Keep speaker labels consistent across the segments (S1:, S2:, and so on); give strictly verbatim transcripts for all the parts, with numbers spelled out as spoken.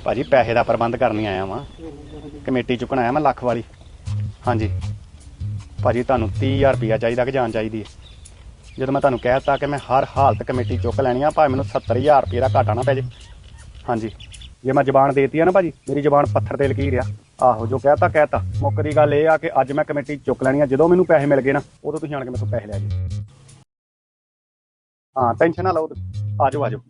S1: ਭਾਜੀ ਪੈਸੇ ਦਾ ਪ੍ਰਬੰਧ ਕਰਨ ਹੀ ਆਇਆ ਵਾਂ, ਕਮੇਟੀ ਚੁੱਕਣ ਆਇਆ ਮੈਂ ਲੱਖ ਵਾਲੀ। ਹਾਂਜੀ ਭਾਜੀ ਤੁਹਾਨੂੰ ਤੀਹ ਹਜ਼ਾਰ ਰੁਪਈਆ ਚਾਹੀਦਾ ਕਿ ਜਾਨ ਚਾਹੀਦੀ ਹੈ? ਜਦੋਂ ਮੈਂ ਤੁਹਾਨੂੰ ਕਹਿ ਦਿੱਤਾ ਕਿ ਮੈਂ ਹਰ ਹਾਲਤ ਕਮੇਟੀ ਚੁੱਕ ਲੈਣੀ ਆ, ਭਾਵੇਂ ਮੈਨੂੰ ਸੱਤਰ ਹਜ਼ਾਰ ਰੁਪਏ ਦਾ ਘਾਟਾ ਨਾ ਪੈ ਜੇ। ਹਾਂਜੀ ਜੇ ਮੈਂ ਜ਼ਬਾਨ ਦੇਤੀ ਆ ਨਾ ਭਾਜੀ, ਮੇਰੀ ਜ਼ਬਾਨ ਪੱਥਰ ਤੇ ਲਕੀਰ ਆ। ਆਹੋ ਜੋ ਕਹਿਤਾ ਕਹਿਤਾ। ਮੁੱਕ ਦੀ ਗੱਲ ਇਹ ਆ ਕਿ ਅੱਜ ਮੈਂ ਕਮੇਟੀ ਚੁੱਕ ਲੈਣੀ ਆ, ਜਦੋਂ ਮੈਨੂੰ ਪੈਸੇ ਮਿਲ ਗਏ ਨਾ ਉਦੋਂ ਤੁਸੀਂ ਆਣ ਕੇ ਮੇਰੇ ਤੋਂ ਪੈਸੇ ਲੈ ਜਾਓ। ਹਾਂ ਟੈਨਸ਼ਨ ਨਾ ਲਓ, ਆ ਜਾਓ ਆ ਜਾਓ।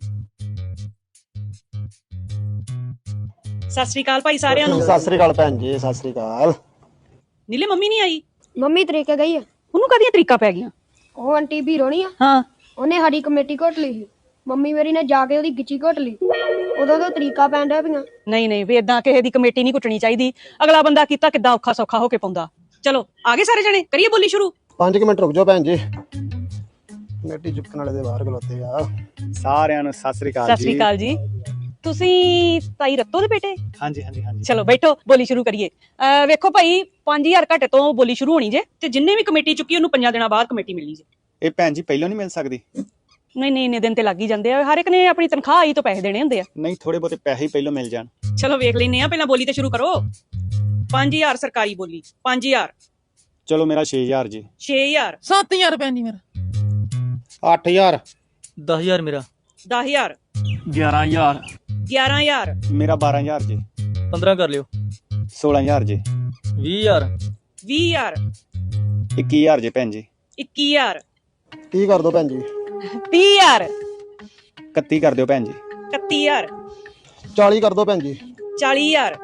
S2: ਸਤਿ ਸ੍ਰੀ ਅਕਾਲ ਭਾਈ ਸਾਰਿਆਂ ਨੂੰ।
S3: ਸਤਿ ਸ੍ਰੀ ਅਕਾਲ ਭੈਣ ਜੀ, ਸਤਿ ਸ੍ਰੀ ਅਕਾਲ।
S2: ਨੀਲੇ ਮੰਮੀ ਨਹੀਂ ਆਈ?
S4: ਮੰਮੀ ਤਰੀਕੇ ਗਈ ਆ।
S2: ਉਹਨੂੰ ਕਾਹਦੀਆਂ ਤਰੀਕਾ ਪੈ ਗਈਆਂ?
S4: ਉਹ ਆਂਟੀ ਵੀਰੋ ਨਹੀਂ ਆ,
S2: ਹਾਂ
S4: ਉਹਨੇ ਸਾਡੀ ਕਮੇਟੀ ਘੋਟ ਲਈ ਸੀ। ਮੰਮੀ ਮੇਰੀ ਨੇ ਜਾ ਕੇ ਉਹਦੀ ਗਿੱਚੀ ਘੋਟ ਲਈ, ਉਦੋਂ ਤੋਂ ਤਰੀਕਾ ਪੈਣ ਡਿਆ ਪਈਆਂ।
S2: ਨਹੀਂ ਨਹੀਂ ਵੀ ਏਦਾਂ ਕਿਸੇ ਦੀ ਕਮੇਟੀ ਨਹੀਂ ਕੁੱਟਣੀ ਚਾਹੀਦੀ। ਅਗਲਾ ਬੰਦਾ ਕੀਤਾ ਕਿੱਦਾਂ ਔਖਾ ਸੌਖਾ ਹੋ ਕੇ ਪਾਉਂਦਾ। ਚਲੋ ਆ ਗਏ ਸਾਰੇ ਜਣੇ, ਕਰੀਏ ਬੋਲੀ ਸ਼ੁਰੂ।
S3: ਪੰਜ ਕੁ ਮਿੰਟ ਰੁਕ ਜਾਓ ਭੈਣ ਜੀ, ਕਮੇਟੀ ਚੁੱਕਣ ਵਾਲੇ ਦੇ ਬਾਹਰ ਖਲੋਤੇ ਆ।
S1: ਸਾਰਿਆਂ ਨੂੰ ਸਤਿ ਸ੍ਰੀ ਅਕਾਲ
S2: ਸਤਿ ਸ੍ਰੀ ਅਕਾਲ ਜੀ। ਤੁਸੀਂ ਤਾਈ ਰੱਤੋ ਦੇ ਬੇਟੇ?
S1: ਹਾਂਜੀ ਹਾਂਜੀ ਹਾਂਜੀ।
S2: ਚਲੋ ਬੈਠੋ, ਬੋਲੀ ਸ਼ੁਰੂ ਕਰੀਏ। ਅਹ ਵੇਖੋ ਭਾਈ, ਪੰਜ ਹਜ਼ਾਰ ਘੱਟ ਤੋਂ ਬੋਲੀ ਸ਼ੁਰੂ ਹੋਣੀ ਜੇ, ਤੇ ਜਿੰਨੇ ਵੀ ਕਮੇਟੀ ਚੁੱਕੀ ਉਹਨੂੰ ਪੰਜਾਂ ਦਿਨਾਂ ਬਾਅਦ ਕਮੇਟੀ ਮਿਲਣੀ ਜੇ।
S1: ਇਹ ਭੈਣ ਜੀ ਪਹਿਲਾਂ ਨਹੀਂ ਮਿਲ ਸਕਦੀ?
S2: ਨਹੀਂ ਨਹੀਂ ਇੰਨੇ ਦਿਨ ਤੇ ਲੱਗ ਹੀ ਜਾਂਦੇ ਆ, ਹਰ ਇੱਕ ਨੇ ਆਪਣੀ ਤਨਖਾਹ ਆਈ ਤੋਂ ਪੈਸੇ ਦੇਣੇ ਹੁੰਦੇ ਆ।
S1: ਨਹੀਂ ਥੋੜੇ ਬਹੁਤੇ ਪੈਸੇ ਹੀ ਪਹਿਲਾਂ ਮਿਲ ਜਾਣ।
S2: ਚਲੋ ਵੇਖ ਲੈਨੇ ਆ, ਪਹਿਲਾਂ ਬੋਲੀ ਤੇ ਸ਼ੁਰੂ ਕਰੋ। ਪੰਜ ਹਜ਼ਾਰ ਸਰਕਾਰੀ ਬੋਲੀ। ਪੰਜ ਹਜ਼ਾਰ।
S1: ਚਲੋ ਮੇਰਾ ਛੇ ਹਜ਼ਾਰ ਜੀ।
S2: ਛੇ ਹਜ਼ਾਰ।
S5: ਸੱਤ ਹਜ਼ਾਰ ਭੈਣ ਜੀ ਮੇਰਾ।
S3: ਅੱਠ ਹਜ਼ਾਰ।
S5: ਦਸ ਹਜ਼ਾਰ ਮੇਰਾ।
S2: ਦਸ ਹਜ਼ਾਰ।
S5: ਗਿਆਰਾਂ ਹਜ਼ਾਰ।
S2: ਗਿਆਰਾਂ ਹਜ਼ਾਰ।
S1: ਮੇਰਾ ਬਾਰਾਂ ਹਜ਼ਾਰ ਜੀ।
S5: ਪੰਦਰਾਂ ਕਰ ਲਿਓ।
S1: ਸੋਲਾਂ ਹਜ਼ਾਰ ਜੀ।
S5: ਵੀਹ ਹਜ਼ਾਰ।
S2: ਵੀਹ ਹਜ਼ਾਰ।
S1: ਇੱਕੀ ਹਜ਼ਾਰ ਜੀ ਭੈਣ ਜੀ।
S2: ਇੱਕੀ ਹਜ਼ਾਰ।
S3: ਕੀ ਕਰ ਦੋ ਭੈਣ ਜੀ?
S2: ਤੀਹ ਹਜ਼ਾਰ।
S1: ਇਕੱਤੀ ਕਰ ਦਿਓ ਭੈਣ ਜੀ।
S2: ਇਕੱਤੀ ਹਜ਼ਾਰ।
S3: ਚਾਲੀ ਕਰ ਦੋ ਭੈਣ ਜੀ।
S2: ਚਾਲੀ ਹਜ਼ਾਰ।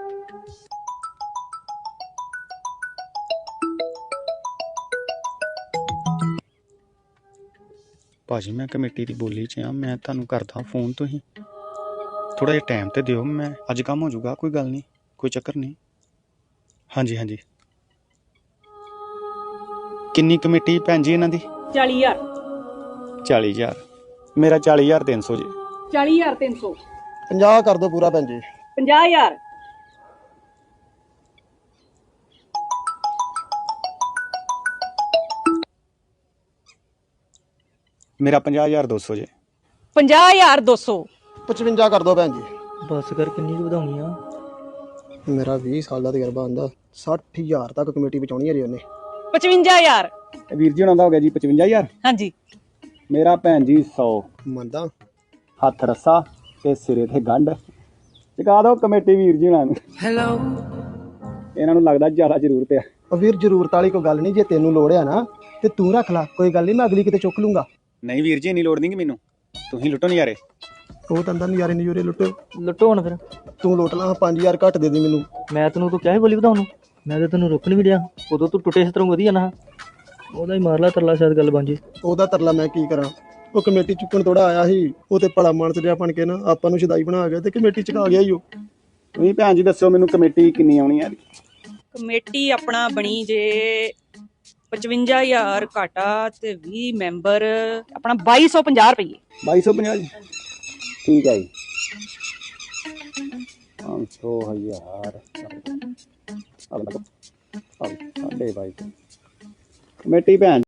S1: ਭਾਜੀ ਮੈਂ ਕਮੇਟੀ ਦੀ ਬੋਲੀ 'ਚ ਆ, ਮੈਂ ਤੁਹਾਨੂੰ ਕਰਦਾ ਫੋਨ। ਤੁਸੀਂ ਥੋੜਾ ਜਿਹਾ ਟਾਈਮ ਤੇ ਦਿਓ, ਮੈਂ ਅੱਜ ਕੰਮ ਹੋ ਜਾਊਗਾ, ਕੋਈ ਗੱਲ ਨਹੀਂ, ਕੋਈ ਚੱਕਰ ਨਹੀਂ। ਹਾਂਜੀ ਹਾਂਜੀ। ਕਿੰਨੀ ਕਮੇਟੀ ਭੈਣ ਜੀ ਇਹਨਾਂ ਦੀ?
S2: ਚਾਲੀ ਹਜ਼ਾਰ।
S1: ਚਾਲੀ ਹਜ਼ਾਰ। ਮੇਰਾ ਚਾਲੀ ਹਜ਼ਾਰ ਤਿੰਨ ਸੌ ਜੀ।
S2: ਚਾਲੀ ਹਜ਼ਾਰ ਤਿੰਨ ਸੌ।
S3: ਪੰਜਾਹ ਕਰ ਦੋ ਪੂਰਾ ਭੈਣ ਜੀ।
S2: ਪੰਜਾਹ ਹਜ਼ਾਰ।
S1: ਮੇਰਾ ਪੰਜਾਹ ਹਜ਼ਾਰ ਦੋ ਸੌ ਜੀ।
S2: ਪੰਜਾਹ ਹਜ਼ਾਰ ਦੋ ਸੌ।
S3: ਪਚਵੰਜਾ ਕਰ ਦੋ ਭੈਣ ਜੀ।
S5: ਬਸ ਕਰ, ਕਿੰਨੀ ਕੁ ਵਧਾਉਣੀ ਆ?
S3: ਮੇਰਾ ਵੀਹ ਸਾਲ ਦਾ ਤਜਰਬਾ ਆਂਦਾ, ਸੱਠ ਹਜ਼ਾਰ ਤੱਕ ਕਮੇਟੀ ਬਚਾਉਣੀ ਹੈ ਜੀ ਉਹਨੇ।
S2: ਪਚਵੰਜਾ ਹਜ਼ਾਰ।
S1: ਵੀਰ ਜੀ ਉਹਨਾਂ ਦਾ ਹੋ ਗਿਆ ਜੀ ਪਚਵੰਜਾ ਹਜ਼ਾਰ।
S2: ਹਾਂਜੀ।
S1: ਮੇਰਾ ਭੈਣ ਜੀ ਸੌ।
S3: ਮੰਨਦਾ।
S1: ਹੱਥ ਰੱਸਾ ਤੇ ਸਿਰੇ ਤੇ ਗੰਢ। ਚੁਕਾ ਦਿਓ ਕਮੇਟੀ ਵੀਰ ਜੀ ਉਹਨਾਂ ਨੂੰ।
S5: ਹੈਲੋ।
S1: ਇਹਨਾਂ ਨੂੰ ਲੱਗਦਾ ਜ਼ਿਆਦਾ ਜ਼ਰੂਰਤ ਆ।
S3: ਉਹ ਵੀਰ ਜ਼ਰੂਰਤ ਵਾਲੀ ਕੋਈ ਗੱਲ ਨਹੀਂ, ਜੇ ਤੈਨੂੰ ਲੋੜ ਆ ਨਾ ਤੇ ਤੂੰ ਰੱਖ ਲੈ, ਕੋਈ ਗੱਲ ਨਹੀਂ, ਮੈਂ ਅਗਲੀ ਕਿਤੇ ਚੁੱਕ ਲੂੰਗਾ।
S1: ਨਹੀਂ ਵੀਰ ਜੀ ਇੰਨੀ ਲੋੜ ਨਹੀਂ ਮੈਨੂੰ, ਤੁਸੀਂ ਲੁੱਟੋ ਨਜ਼ਾਰੇ।
S3: ਉਹ ਤਾਂ ਨਜ਼ਾਰੇ ਨਜ਼ੂਰੇ ਲੁੱਟੋ,
S5: ਲੁੱਟੋ ਹੁਣ ਫਿਰ।
S3: ਤੂੰ ਲੁੱਟ ਲਾ। ਪੰਜ ਹਜ਼ਾਰ ਘੱਟ ਦੇ ਦੀ ਮੈਨੂੰ।
S5: ਮੈਂ ਤੈਨੂੰ ਤੂੰ ਕਿਹਾ ਸੀ ਬੋਲੀ ਵਧਾਉਣ ਨੂੰ, ਮੈਂ ਤਾਂ ਤੈਨੂੰ ਰੋਕਣ ਵੀ ਡਿਆ। ਉਦੋਂ ਤੂੰ ਟੁੱਟੇ ਇਸ ਤਰ੍ਹਾਂ ਵਧੀਆ ਨਾ, ਉਹਦਾ ਹੀ ਮਾਰ ਲਾ ਤਰਲਾ, ਸ਼ਾਇਦ ਗੱਲ ਬਣ ਜੇ।
S3: ਉਹਦਾ ਤਰਲਾ ਮੈਂ ਕੀ ਕਰਾਂ? ਉਹ ਕਮੇਟੀ ਚੁੱਕਣ ਥੋੜਾ ਆਇਆ ਸੀ, ਉਹ ਤੇ ਭਲਾ ਮਾਨਸ ਜਿਹਾ ਬਣ ਕੇ ਨਾ ਆਪਾਂ ਨੂੰ ਸ਼ਦਾਈ ਬਣਾ ਗਿਆ ਤੇ ਕਮੇਟੀ ਚੁਕਾ ਗਿਆ ਹੀ ਉਹ।
S1: ਤੁਸੀਂ ਭੈਣ ਜੀ ਦੱਸੋ ਮੈਨੂੰ ਕਮੇਟੀ ਕਿੰਨੀ ਆਉਣੀ ਹੈ?
S2: ਕਮੇਟੀ ਆਪਣਾ ਬਣੀ ਜੇ ਪਚਵੰਜਾ ਹਜ਼ਾਰ ਘਾਟਾ ਤੇ ਵੀਹ ਮੈਂਬਰ, ਆਪਣਾ ਬਾਈ ਸੌ ਪੰਜਾਹ ਰੁਪਏ।
S1: ਬਾਈ ਸੌ ਪੰਜਾਹ ਜੀ। ਠੀਕ ਹੈ ਜੀ। ਪੰਜ ਸੌ ਹਜ਼ਾਰ ਸਾਢੇ ਬਾਈ ਸੌ ਕਮੇਟੀ ਭੈਣ